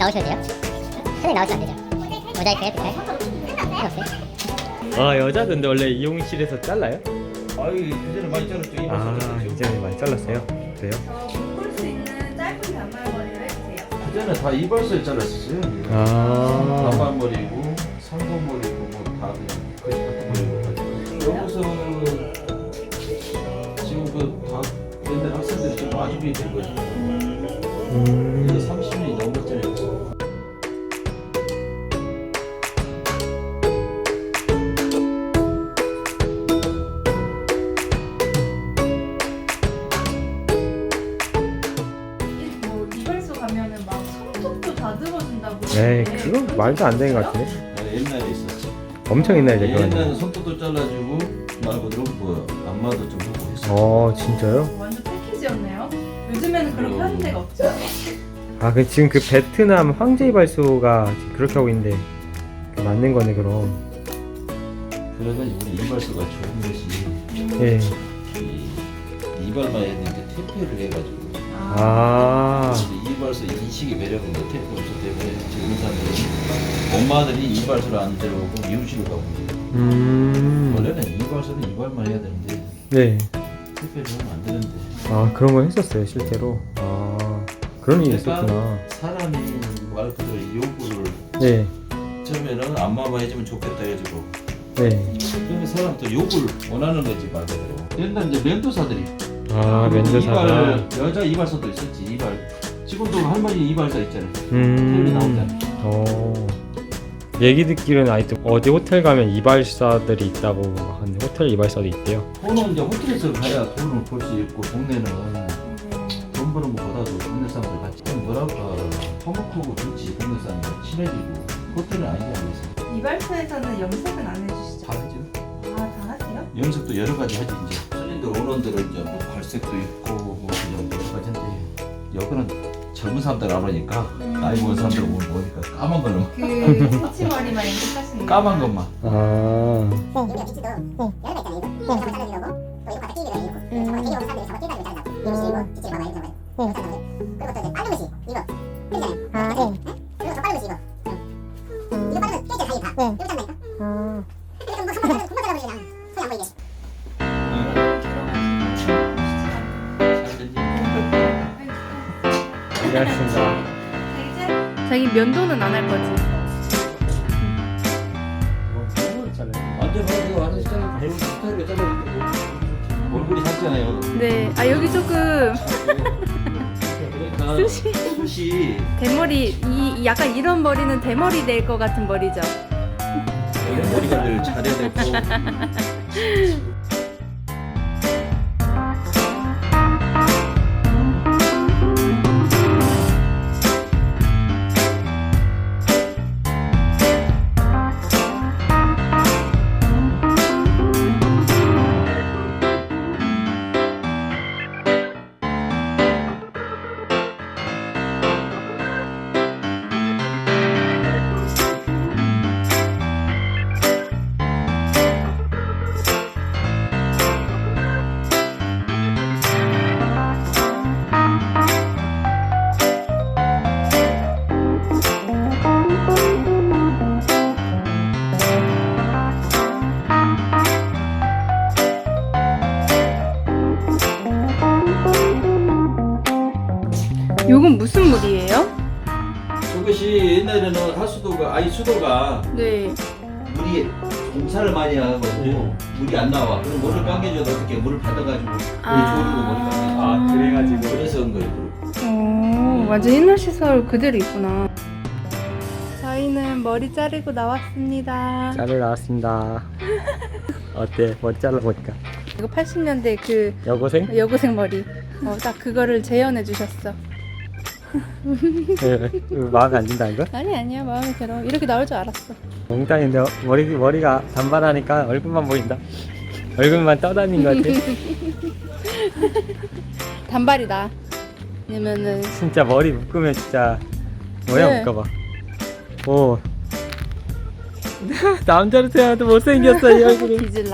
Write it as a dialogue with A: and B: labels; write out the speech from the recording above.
A: 나오셔도 돼요? 선생님 나오시면 안 되죠? 모자이크 해도 돼요? 상관없어요?
B: 아 여자분들 원래 이용실에서 잘라요?
C: 아유 그전에 많이 잘랐죠.
B: 아 이제는 많이 잘랐어요? 그래요?
D: 묶을 수 있는 짧은 단발머리를 해주세요.
C: 그전에 다 이발소에 잘랐었어요.
B: 아
C: 단발머리고 상고머리고 뭐다 그냥 거의 같은 머리고 여기서 지금 그다 옛날 학생들이 지금 마주비 된 거죠. 이게 30년이 넘었잖아요.
D: 뭐 이발소 가면은 막 손톱도 다듬어준다고.
B: 에이
D: 그러는데
B: 그거 말도 안 되는 것 같은데?
C: 옛날에 있었지.
B: 엄청 옛날에 그거는.
C: 옛날에 손톱도 잘라주고 말 그대로 뭐 안마도 좀 하고 했어.
B: 진짜요?
D: 완전 패키지였네요. 요즘에는 그런 하는 데가 없죠.
B: 아 지금 그 베트남 황제 이발소가 지금 그렇게 하고 있는데 맞는 거네 그럼.
C: 그래가지고 우리 이발소가 좋은 것이
B: 예.
C: 이 이발만 했는데 테이프를 해가지고
B: 아
C: 이발소 인식이 매력인 거 테이프 없어 때문에 지금 사람들이 엄마들이 이발소를 안 데려오고 미용실을 가고 원래는 이발소는 이발만 해야 되는데
B: 네.
C: 테이프를 하면 안 되는데
B: 아 그런 거 했었어요 실제로. 아 그런 일이 있었구나.
C: 그러니까 사람이 말 그대로 요구를
B: 네.
C: 처음에는 안마만 해주면 좋겠다 해가지고
B: 네.
C: 그러면 사람들 요구를 원하는 거지 말 그대로. 옛날 이제 면도사들이
B: 아 면도사가.
C: 이발, 여자 이발소도 있었지. 이발 지금도 할머니 이발사 있잖아요. 텔레비 나오잖아요.
B: 얘기 듣기로는 아직도 어디 호텔 가면 이발사들이 있다고 하는데 호텔 이발사도 있대요.
C: 돈은 이제 호텔에서 가야 돈을 벌 수 있고 동네는 돈 버는 것보다도 동네 사람들 같이 좀 뭐랄까 화목하고 좋지. 동네 사람들 친해지고 호텔은 아니지 않겠어.
D: 이발소에서는 염색은 안 해주시죠?
C: 다 하죠.
D: 아, 다 하세요?
C: 염색도 여러 가지 하지 이제. 손님들 오는들은 이제 뭐 발색도 있고 뭐 그냥 여러 가지인데 여기는 젊은 사람들 안 오니까 나이 먹은 사람들 오니까 까만 걸로
D: 그 터치머리만 염색하시는
C: 까만 것만.
B: 아.
A: 여기가 비치도 여러 가 있잖아요. 이거 잡아 잘라주는 거고 또 이거 갖다 끼기로 있고 되게 먹은 사람들이 잡아 끼가지고 잘라고 이거 비치를 봐봐 이렇게 잡아요. 그리고 또 이제 빠른 것이 이거 그러잖아요. 그리고 더 빠른 것이 이거 이거 빠르면 깨져 사이 다 이거 잡나니까 그래서 뭐 한번 잘라도 금방 잘라버리잖아. 손이 안 보이게.
B: 고맙습니다.
D: 자기 면도는 안 할 거지?
C: 완전 이거 안 했잖아요. 배우 스타일로 잘라볼게요. 얼굴이 작잖아요.
D: 네. 아, 여기 조금
C: 그러니까
D: 숱이.
C: 숱이
D: 대머리, 이 약간 이런 머리는 대머리 될 것 같은 머리죠?
C: 머리 관리를 잘해야 되고.
D: 요건 무슨 물이에요?
C: 저것이 옛날에는 하수도가 수도가
D: 네.
C: 물이 공사를 많이 하고 물이 안 나와. 그럼 물을 감겨줘도 어떻게 물을 받아가지고 물이 졸이고 머리 감겨.
B: 아 그래가지고.
C: 그래서 온 거예요.
D: 오, 완전 옛날 시설 그대로 있구나. 저희는 머리 자르고 나왔습니다.
B: 자르 나왔습니다. 어때? 머리 잘라보니까.
D: 이거 80년대 그
B: 여고생?
D: 여고생 머리. 딱 그거를 재현해 주셨어.
B: 마음에 안 든다는 거?
D: 아니야, 마음에 들어. 이렇게 나올 줄 알았어.
B: 농담인데 머리가 단발하니까 얼굴만 보인다. 얼굴만 떠다닌 것 같아.
D: 단발이다. 왜냐면은
B: 진짜 머리 묶으면 진짜 뭐야
D: 네.
B: 묶어봐. 오 남자로 태어나도 못생겼어 이 얼굴은.
D: 뒤질라.